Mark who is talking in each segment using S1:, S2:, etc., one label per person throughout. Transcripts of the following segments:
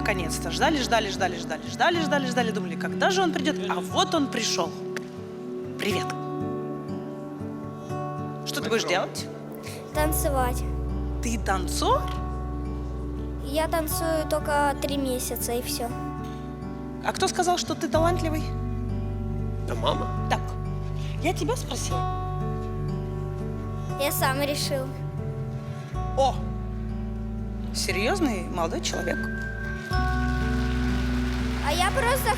S1: наконец-то. Ждали, ждали, ждали, ждали, ждали, ждали, ждали. Думали, когда же он придет? А вот он пришел. Привет. Что ты будешь делать?
S2: Танцевать.
S1: Ты танцор?
S2: Я танцую только 3 месяца и все.
S1: А кто сказал, что ты талантливый?
S3: Да мама.
S1: Так, я тебя спросила.
S2: Я сам решил.
S1: О! Серьезный молодой человек.
S2: А я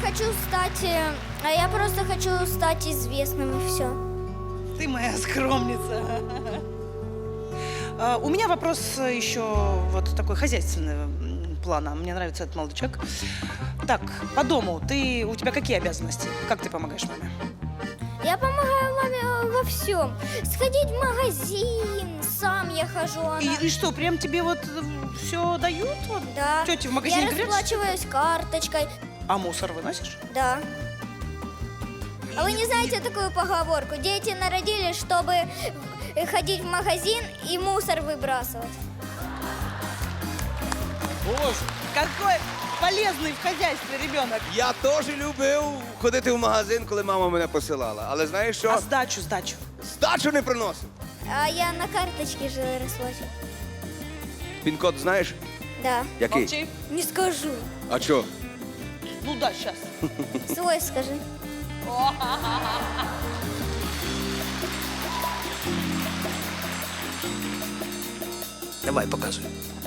S2: просто хочу стать известным и все.
S1: Ты моя скромница. У меня вопрос еще вот такой хозяйственный плана. Мне нравится этот молодой человек. Так, по дому у тебя какие обязанности? Как ты помогаешь маме?
S2: Я помогаю маме во всем. Сходить в магазин, сам я хожу. Она...
S1: И что, прям тебе вот все дают? Вот,
S2: Да.
S1: тети в магазине
S2: Я
S1: говорят?
S2: расплачиваюсь карточкой.
S1: А мусор выносишь?
S2: Да. А вы не знаете такую поговорку? Дети народились, чтобы ходить в магазин и мусор выбрасывать.
S3: Боже.
S1: Какой полезний в хазяйстві ребенок.
S4: Я теж любив ходити в магазин, коли мама мене посилала. Але знаєш що?
S1: А здачу?
S4: Здачу не приносив.
S2: А я на карточке же расплачиваю.
S4: Пін-код знаєш?
S2: Да.
S4: Який?
S1: Молчи.
S2: Не скажу.
S4: А що?
S1: Ну да, сейчас.
S2: Свой скажи.
S3: Давай, показуй.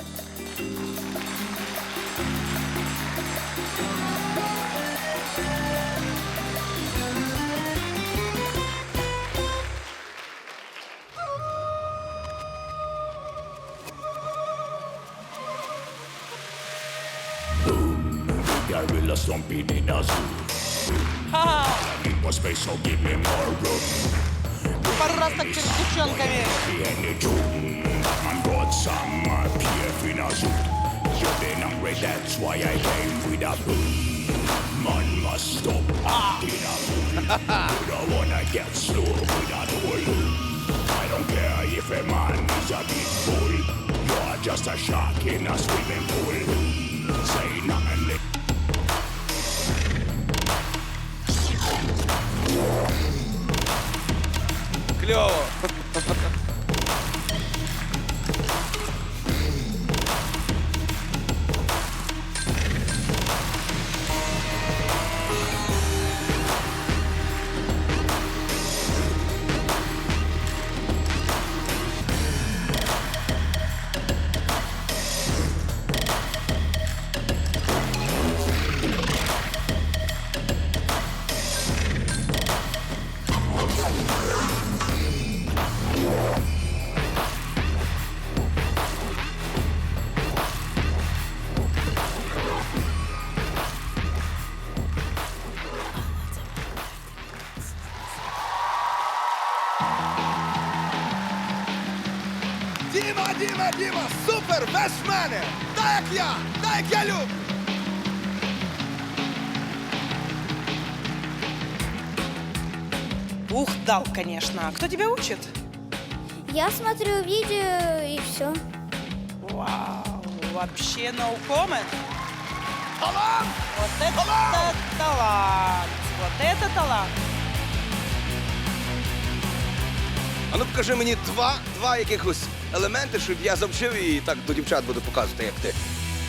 S5: Gorilla stomping in a zoo. Need more space, so give me more room.
S1: Пару раз так перед девчонками.
S5: Be any tune. Man got some PF in a zoo. You've been hungry, that's why I came with a boom. Man must stop in a fool. You don't wanna get slow with a tool. I don't care if a man is a big bull. You're just a shark in a swimming pool. Say nothing.
S4: Кльово. Діма, супер, без мене! Так як я люблю!
S1: Ух, дал, конечно. А кто тебя учит?
S2: Я смотрю видео и все.
S1: Вау, вообще no comment.
S4: Талант!
S1: Вот это талант. Вот это талант.
S4: А ну покажи мені два якихось елементи, щоб я завчив і так до дівчат буду показувати, як ти.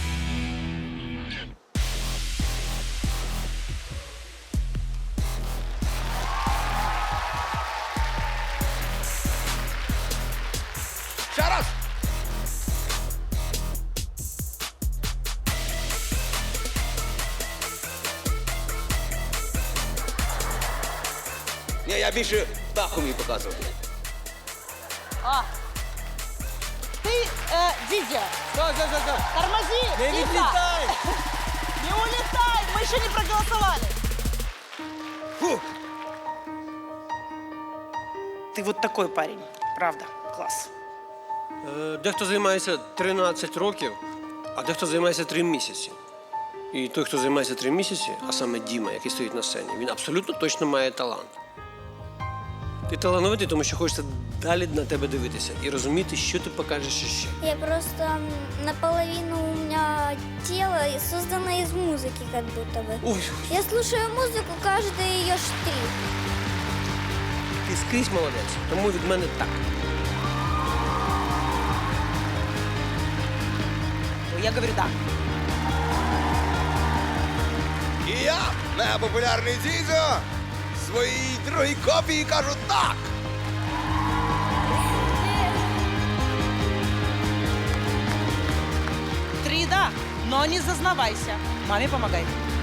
S4: Ще раз! Ні, я більше так умію показувати.
S1: Ты, Дидя,
S3: Стой.
S1: тормози.
S3: Не
S1: тихо.
S3: відлітай!
S1: Не улетай, мы еще не проголосовали.
S4: Фу!
S1: Ты вот такой парень, правда, класс.
S3: Дехто займається 13 років, а дехто займається 3 місяці. І той, хто займається 3 місяці, а саме Діма, який стоїть на сцені, він абсолютно точно має талант. Ти талановитий, тому що хочеться далі на тебе дивитися і розуміти, що ти покажеш іще.
S2: Я просто наполовину у меня тело создано из музыки, как будто бы.
S3: Ой,
S2: Я слушаю музыку, каждый ее штрих.
S3: ти скрізь молодець, тому від мене так.
S1: Я говорю да.
S4: І я, мегапопулярний Зізо, своїй другій копії кажу так.
S1: Три да, но не зазнавайся. Маме помогай.